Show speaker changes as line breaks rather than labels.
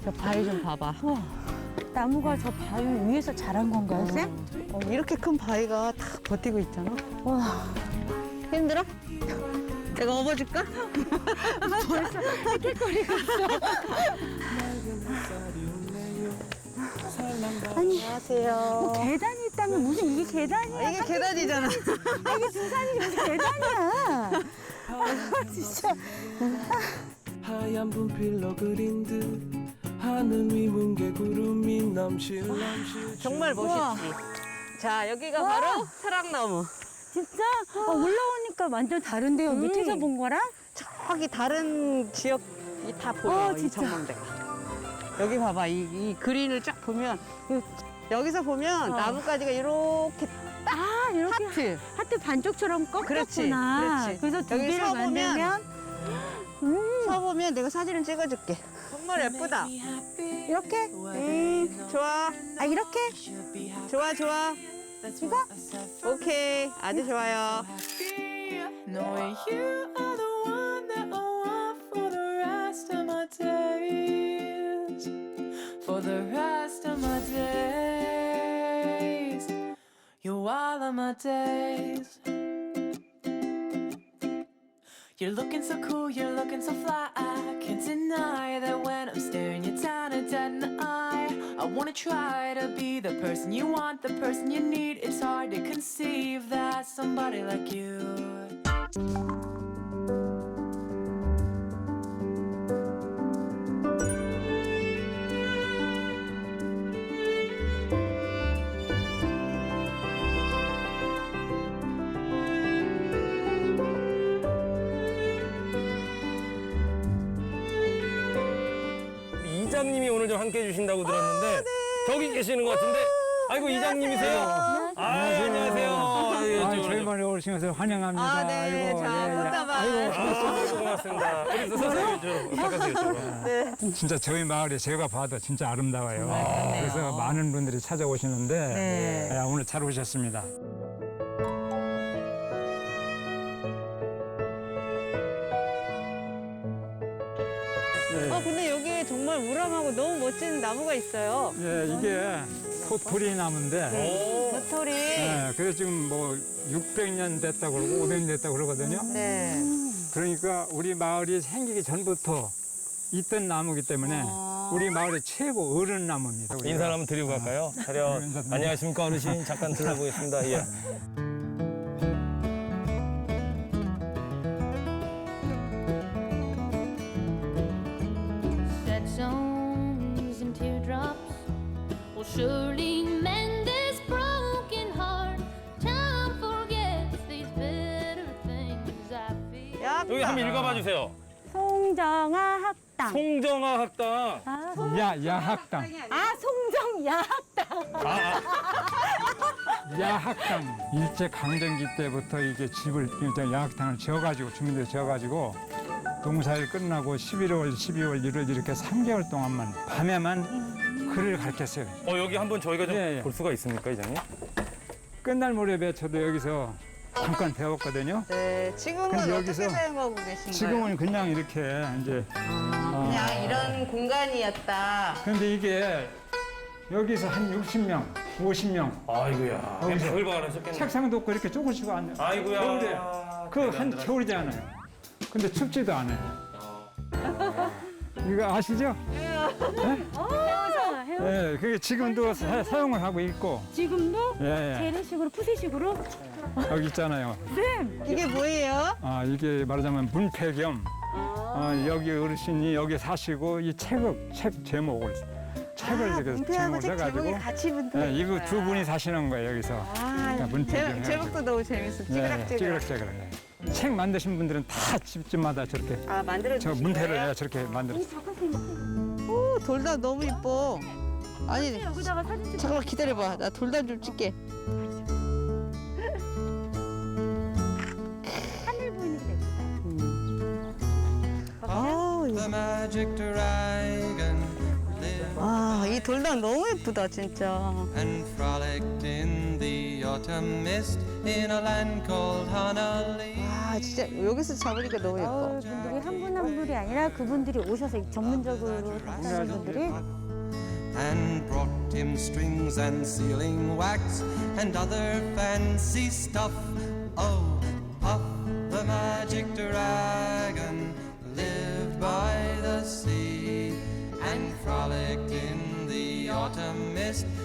저 바위 좀 봐봐.
나무가 저 바위 위에서 자란 건가요, 쌤?
이렇게 큰 바위가 다 버티고 있잖아.
와,
힘들어? 내가 업어줄까?
벌써 헥헥거리고 있어. 아니,
안녕하세요.
계단이 있다면 무슨 이게 계단이야?
이게 계단이잖아.
이게 등산이 무슨 계단이야? 진짜.
하얀 분필로 그린 듯 하늘 위 뭉게 구름이 넘실넘실
정말 멋있지. 자, 여기가 바로 사랑나무.
진짜 올라오니까 완전 다른데요. 밑에서 본 거랑?
저기 다른 지역이 다 보여, 이
진짜.
전망대가. 여기 봐봐, 이 그린을 쫙 보면, 여기서 보면 나뭇가지가 이렇게
아, 이렇게
하트.
반쪽처럼
그렇지,
꺾였구나.
그렇지.
그래서 두
여기
개를
서보면
만들면
서보면 내가 사진을 찍어줄게. 정말 예쁘다.
이렇게?
좋아,
아, 이렇게?
좋아, 좋아.
이거?
오케이, 아주 좋아요.
Knowing you are the one that I want for the rest of my days. For the rest of my days. You're all of my days. You're looking so cool, you're looking so fly. I can't deny that when I'm staring you down and dead in the eye. I wanna try to be the person you want, the person you need. It's hard to conceive that somebody like you.
이장님이 오늘 좀 함께 해주신다고 들었는데 저기 계시는 것 같은데 아이고 이장님이세요? 안녕하세요.
저희만에 오신 것을 환영합니다.
네.
아이고,
자,
예, 예.
꽃다발.
아이고 고맙습니다. 그래서 선생님 이쪽으로 부탁하세요. 이쪽으로.
진짜 저희 마을이 제가 봐도 진짜 아름다워요. 그래서 많은 분들이 찾아오시는데 예, 오늘 잘 오셨습니다.
근데 여기 정말 우람하고 너무 멋진 나무가 있어요.
예, 이게 토토리 나무인데
도토리.
예, 그래서 지금 뭐 600년 됐다고 그러고 500년 됐다고 그러거든요.
네.
그러니까 우리 마을이 생기기 전부터 있던 나무기 때문에 우리 마을의 최고 어른 나무입니다. 우리가.
인사 한번 드리고 갈까요? 차렷. 안녕하십니까 어르신. 잠깐 들어보겠습니다. 예.
Sad songs and teardrops will surely mend this broken heart. Time forgets these bitter things I feel.
야,
여기 한번 읽어봐 주세요.
송정아 학당.
송정아 학당.
야학당.
송정 야학당.
야학당. 일제 강점기 때부터 이게 집을 야학당을 지어가지고 주민들이 지어가지고 농사일 끝나고 11월, 12월, 1월 이렇게 3개월 동안만 밤에만 글을 가르쳤어요.
여기 한번 저희가 좀
예, 예.
볼 수가 있습니까 이장님?
끝날 무렵에 저도 여기서 잠깐 배웠거든요.
네. 지금은
근데
어떻게
여기서
사용하고 계신가요?
지금은 그냥 이렇게 이제
그냥 이런 공간이었다.
근데 이게 여기서 한 60명, 50명
아이고야.
여기서.
별걸 하셨겠네.
책상도 없고 이렇게 조금씩 앉아.
아이고야.
겨울에 그한 겨울이지 않아요. 근데 춥지도 않아요. 이거 아시죠?
헤어져.
예, 그게 지금도 사용을 하고 있고,
지금도
예, 예.
재래식으로 푸세식으로.
여기 있잖아요.
이게 뭐예요?
아, 이게 말하자면 문패 겸, 여기 어르신이 여기 사시고 이 책 제목을 책을 이렇게
문패하고
제목을
책 제목이
써가지고,
같이 붙는
예, 이거
거야.
두 분이 사시는 거예요 여기서. 그러니까 문패 겸 해가지고.
제목도 너무 재밌어. 찌그락찌그락.
찌그락찌그락. 책 만드신 분들은 다 집집마다 저렇게
만들어
저
주신
문패를
거예요?
저렇게 만들었어요.
오, 돌담 너무 이뻐. 아니,
여기다가 사진 찍.
잠깐만 기다려봐. 나 돌담 좀 찍게.
하늘 보이는 게 예쁘다.
The magic dragon lived
와, 이 돌담 너무 예쁘다, 진짜.
and frolicked in the autumn mist in a land called Honolulu.
와, 진짜 여기서 잡으니까 너무 예뻐.
분들이 한 분 한 분이 아니라 그분들이 오셔서 전문적으로 하시는 분들이
and brought him strings and sealing wax and other fancy stuff. Oh, Puff the magic dragon lived by the sea and frolicked in the autumn mist